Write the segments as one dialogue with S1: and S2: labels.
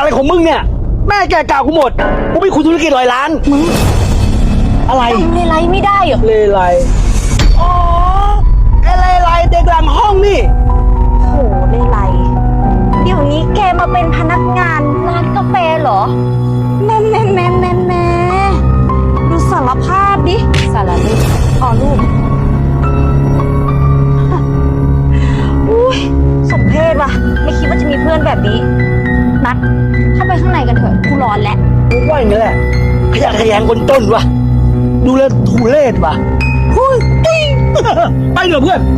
S1: ของมึงเนี่ยแม่แกกล่าวกูหมดกูไม่คุยธุรกิจ100 ล้านมึงอะไร
S2: จำเลไลไม่ได้เหรอ
S1: เลไลอ๋อไอ้เลไลเด็กหลังห้องนี่
S2: โหเลไลเดี๋ยวนี้แกมาเป็นพนักงานร้านกาแฟเหรอแม่ดูสารภาพดิสารรูปอ๋อรูปอุ้ยสมเพชว่ะไม่คิดว่าจะมีเพื่อนแบบนี้นัดเข้าไปข้างในกันเถอะกูร้อนแล้ว
S1: กูว่าอย่างนี้แหละขยะแขยงคนต้นวะดูแลทุเรศวะหุ้ยติ้ง ไปเถอะเพื่อน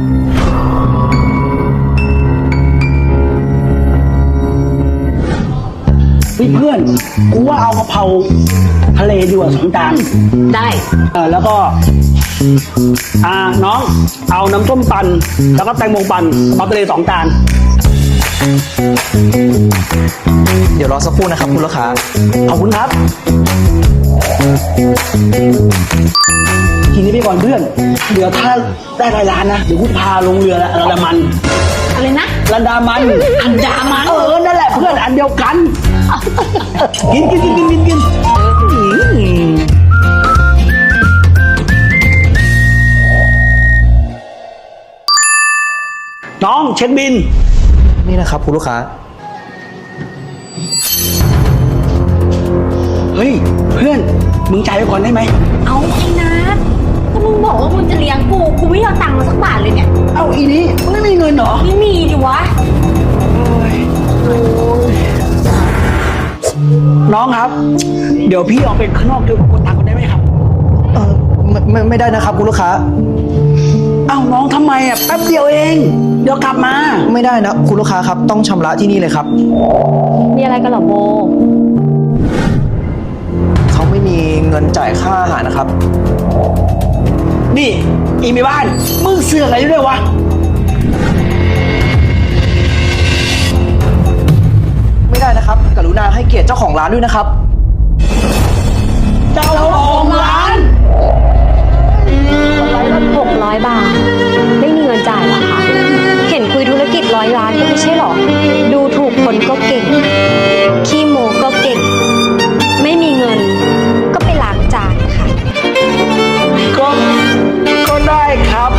S1: เพื่อนกูว่าเอากะเพราทะเลดีกว่า2 จาน
S2: ได้
S1: แล้วก็น้องเอาน้ำส้มปั่นแล้วก็แตงโมปั่นกะเพราทะเล2 จาน
S3: เดี๋ยวรอสักครู่นะครับคุณลูกค้า
S1: ขอบคุณครับทีนี้ไปก่อนเพื่อนเดี๋ยวถ้าได้100 ล้านนะเดี๋ยวกูพาลงเรือละอันดามัน
S2: อะไรนะ
S1: อันดามัน
S2: อันดามัน
S1: นั่นแหละเพื่อนอันเดียวกัน กินน้องเช็คบิน
S3: นี่นะครับคุณลูกค้า
S1: เฮ้ยเพื่อนมึงจ่ายไปก่อนได้ไหม
S2: เอาไอ้นัทก็มึงบอกว่ามึงจะเลี้ยงกูไม่เอาตังค์มาสักบาทเลยเนี่ย
S1: เอ้าอีนี้มึงไม่มีเงินเหรอ
S2: ไม่มีดิวะ
S1: น้องครับ เดี๋ยวพี่ออกไปข้างนอกเดี๋ยวผมกดตังค์ก่อนได้ไหมครับ
S3: ไม่ได้นะครับคุณลูกค้า
S1: เอ้าน้องทำไมแป๊บเดียวเองเดี๋ยวกลับมา
S3: ไม่ได้นะคุณลูกค้าครับต้องชำระที่นี่เลยครับ
S2: มีอะไรกันเหรอโบ
S3: เขาไม่มีเงินจ่ายค่าอาหารนะครับ
S1: นี่อีเมบ้านมึงเสือกอะไรด้วยวะ
S3: ไม่ได้นะครับกรุณาให้เกียรติเจ้าของร้านด้วยนะครับ
S1: เจ้าของร้าน
S2: 600 บาท ไม่มีเงินจ่ายเหรอคะเห็นคุยธุรกิจ100 ล้านก็ไม่ใช่หรอ ดูถูกคนก็เก่ง ขี้โมก็เก่ง ไม่มีเงินก็ไปล้างจานค่ะ
S1: ก็ได้ครับ